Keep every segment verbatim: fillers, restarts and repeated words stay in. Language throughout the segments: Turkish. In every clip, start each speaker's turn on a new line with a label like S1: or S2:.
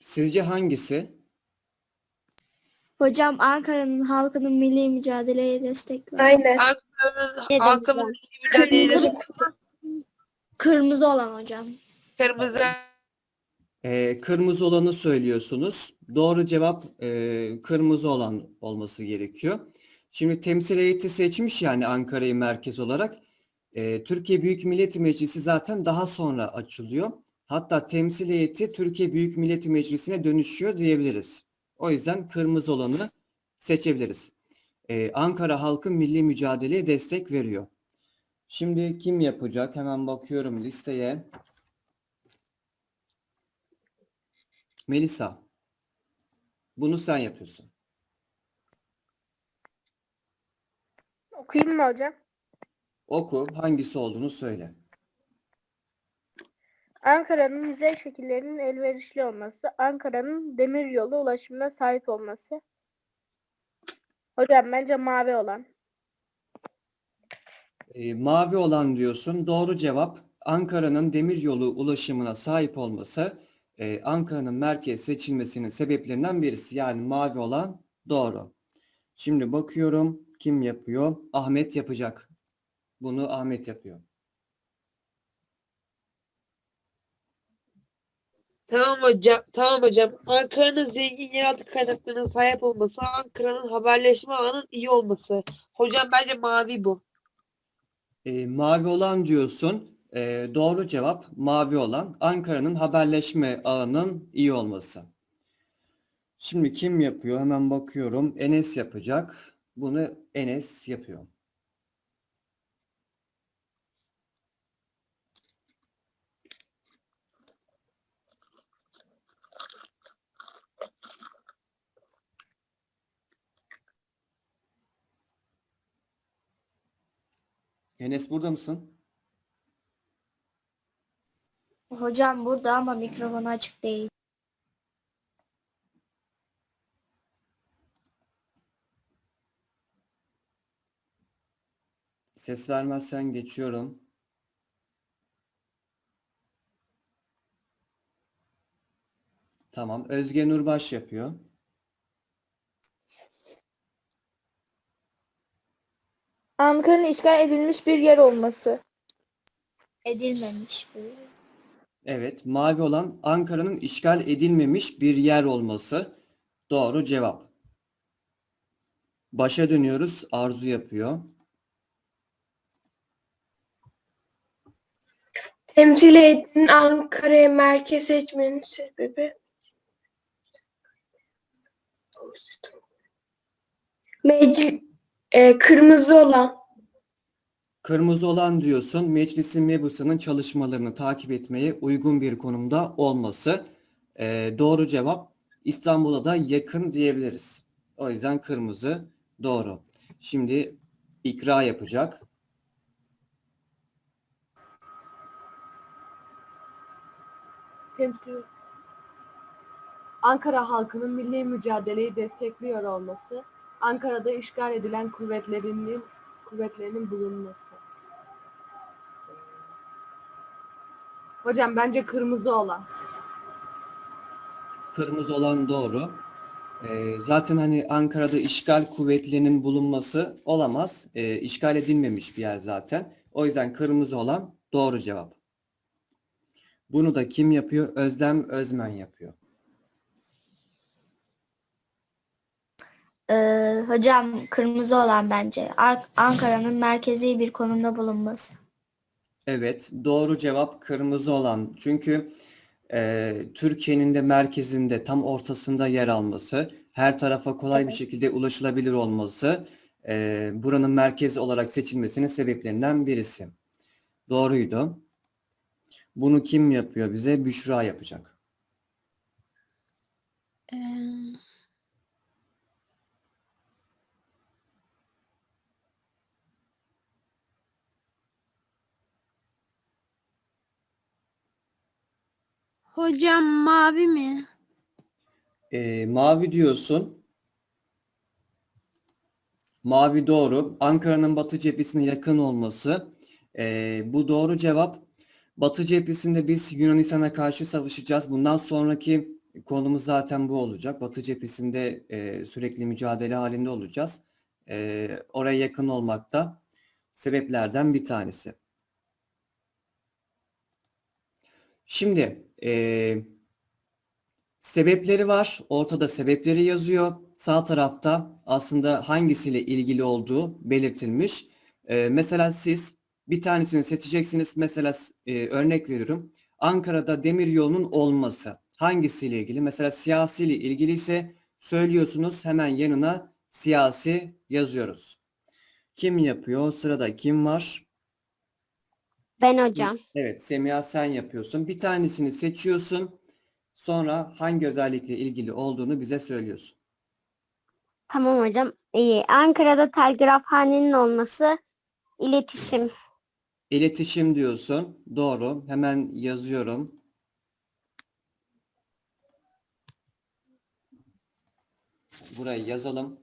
S1: Sizce hangisi?
S2: Hocam Ankara'nın halkının milli mücadeleye destek ver.
S3: Aynen.
S4: Ankara'nın
S2: Ne
S4: halkının
S2: demişler?
S4: mücadelesi
S2: Kırmızı olan hocam.
S4: kırmızı.
S1: Ee, kırmızı olanı söylüyorsunuz. Doğru cevap e, kırmızı olan olması gerekiyor. Şimdi temsil heyeti seçmiş yani Ankara'yı merkez olarak. Ee, Türkiye Büyük Millet Meclisi zaten daha sonra açılıyor. Hatta temsil heyeti Türkiye Büyük Millet Meclisi'ne dönüşüyor diyebiliriz. O yüzden kırmızı olanı seçebiliriz. Ee, Ankara halkı milli mücadeleye destek veriyor. Şimdi kim yapacak? Hemen bakıyorum listeye. Melisa. Bunu sen yapıyorsun.
S3: Okuyayım mı hocam?
S1: Oku. Hangisi olduğunu söyle.
S3: Ankara'nın yüzey şekillerinin elverişli olması, Ankara'nın demiryolu ulaşımına sahip olması. Hocam bence mavi olan.
S1: Ee, mavi olan diyorsun. Doğru cevap Ankara'nın demiryolu ulaşımına sahip olması e, Ankara'nın merkez seçilmesinin sebeplerinden birisi. Yani mavi olan doğru. Şimdi bakıyorum kim yapıyor? Ahmet yapacak. Bunu Ahmet yapıyor.
S4: Tamam hocam. Tamam hocam. Ankara'nın zengin yeraltı kaynaklarına sahip olması, Ankara'nın haberleşme ağının iyi olması. Hocam bence mavi bu.
S1: E, mavi olan diyorsun. E, doğru cevap mavi olan Ankara'nın haberleşme ağının iyi olması. Şimdi kim yapıyor? Hemen bakıyorum. Enes yapacak. Bunu Enes yapıyor. Enes burada mısın?
S2: Hocam burada ama mikrofonu açık değil.
S1: Ses vermezsen geçiyorum. Tamam. Özge Nurbaş yapıyor.
S3: Ankara'nın işgal edilmiş bir yer olması.
S2: Edilmemiş bu.
S1: Evet. Mavi olan Ankara'nın işgal edilmemiş bir yer olması. Doğru cevap. Başa dönüyoruz. Arzu yapıyor.
S5: Temsil heyetinin Ankara'ya merkez seçmenin sebebi Meclis e, kırmızı olan.
S1: Kırmızı olan diyorsun. Meclisin mebusının çalışmalarını takip etmeye uygun bir konumda olması. Ee, doğru cevap İstanbul'a da yakın diyebiliriz. O yüzden kırmızı doğru. Şimdi ikra yapacak.
S6: Temsil Ankara halkının milli mücadeleyi destekliyor olması, Ankara'da işgal edilen kuvvetlerinin kuvvetlerinin bulunması. Hocam bence kırmızı olan.
S1: Kırmızı olan doğru. Ee, zaten hani Ankara'da işgal kuvvetlerinin bulunması olamaz. Ee, işgal edilmemiş bir yer zaten. O yüzden kırmızı olan doğru cevap. Bunu da kim yapıyor? Özlem Özmen yapıyor.
S2: Ee, hocam kırmızı olan bence. Ar- Ankara'nın merkezi bir konumda bulunması.
S1: Evet, doğru cevap kırmızı olan. Çünkü e, Türkiye'nin de merkezinde, tam ortasında yer alması, her tarafa kolay bir şekilde ulaşılabilir olması, e, buranın merkezi olarak seçilmesinin sebeplerinden birisi. Doğruydu. Bunu kim yapıyor bize? Büşra yapacak.
S2: Ee,
S5: Hocam mavi mi?
S1: E, mavi diyorsun. Mavi doğru. Ankara'nın batı cephesine yakın olması. E, bu doğru cevap. Batı cephesinde biz Yunanistan'a karşı savaşacağız. Bundan sonraki konumuz zaten bu olacak. Batı cephesinde e, sürekli mücadele halinde olacağız. E, oraya yakın olmak da sebeplerden bir tanesi. Şimdi e, sebepleri var. Ortada sebepleri yazıyor. Sağ tarafta aslında hangisiyle ilgili olduğu belirtilmiş. E, mesela siz bir tanesini seçeceksiniz. Mesela e, örnek veriyorum. Ankara'da demiryolunun olması. Hangisiyle ilgili? Mesela siyasiyle ilgili ise söylüyorsunuz. Hemen yanına siyasi yazıyoruz. Kim yapıyor? Sırada kim var?
S7: Ben hocam.
S1: Evet, Semiha sen yapıyorsun. Bir tanesini seçiyorsun. Sonra hangi özellikle ilgili olduğunu bize söylüyorsun.
S7: Tamam hocam. İyi. Ankara'da telgrafhanenin olması, iletişim.
S1: İletişim diyorsun. Doğru. Hemen yazıyorum. Burayı yazalım.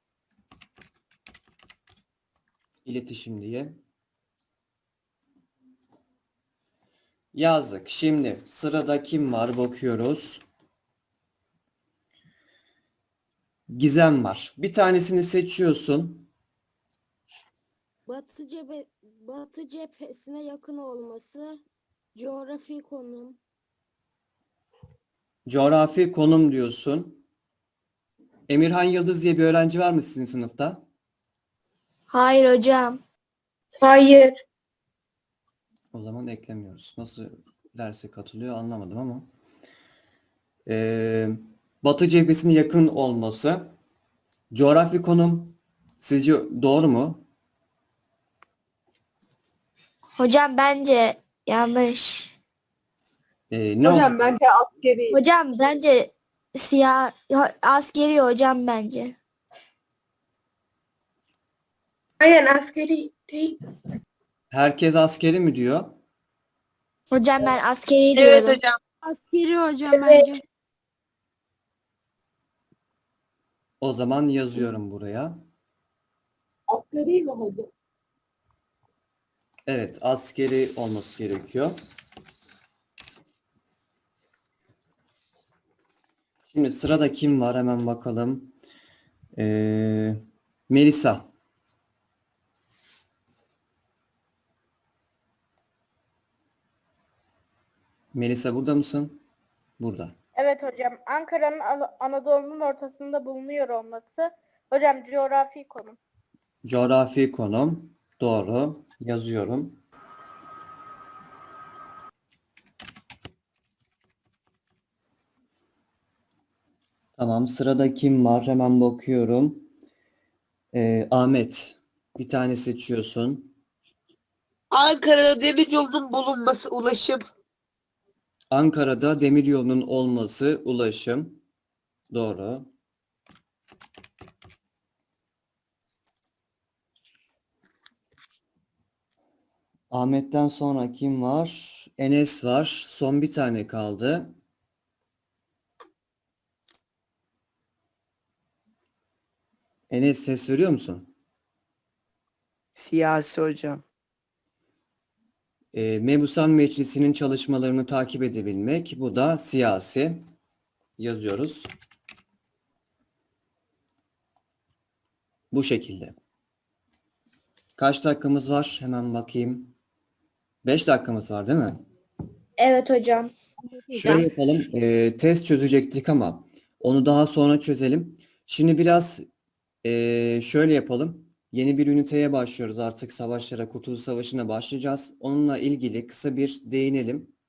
S1: İletişim diye. Yazdık. Şimdi sırada kim var bakıyoruz. Gizem var. Bir tanesini seçiyorsun.
S8: Batı cephe, Batı cephesine yakın olması, coğrafi konum,
S1: Coğrafi konum diyorsun. Emirhan Yıldız diye bir öğrenci var mı sizin sınıfta?
S2: Hayır hocam.
S5: Hayır.
S1: O zaman eklemiyoruz. Nasıl derse katılıyor anlamadım ama. Ee, Batı cephesine yakın olması. Coğrafi konum sizce doğru mu?
S2: Hocam bence yanlış.
S1: Ee, ne
S6: Hocam
S1: oldu?
S6: bence askeri.
S2: Hocam bence siyah askeri hocam bence.
S5: Aynen askeri değil.
S1: Herkes askeri mi diyor?
S2: Hocam ben askeri
S4: Evet
S2: diyorum.
S4: hocam.
S5: Askeri hocam Evet. bence.
S1: O zaman yazıyorum buraya.
S6: Askeri mi hocam?
S1: Evet, askeri olması gerekiyor. Şimdi sırada kim var? Hemen bakalım. Ee, Melisa. Melisa burada mısın? Burada.
S3: Evet hocam. Ankara'nın Ana- Anadolu'nun ortasında bulunuyor olması. Hocam coğrafi konum.
S1: Coğrafi konum. Doğru. Yazıyorum. Tamam. Sırada kim var? Hemen bakıyorum. Ee, Ahmet. Bir tane seçiyorsun.
S4: Ankara'da demiryolunun bulunması, ulaşım.
S1: Ankara'da demiryolunun olması, ulaşım. Doğru. Ahmet'ten sonra kim var? Enes var. Son bir tane kaldı. Enes ses veriyor musun?
S9: Siyasi hocam.
S1: E, Mebusan Meclisi'nin çalışmalarını takip edebilmek. Bu da siyasi. Yazıyoruz. Bu şekilde. Kaç dakikamız var? Hemen bakayım. beş dakikamız var değil mi?
S2: Evet hocam.
S1: Şöyle yapalım. e, test çözecektik ama onu daha sonra çözelim. Şimdi biraz e, şöyle yapalım. Yeni bir üniteye başlıyoruz artık. Savaşlara, Kurtuluş Savaşı'na başlayacağız. Onunla ilgili kısa bir değinelim.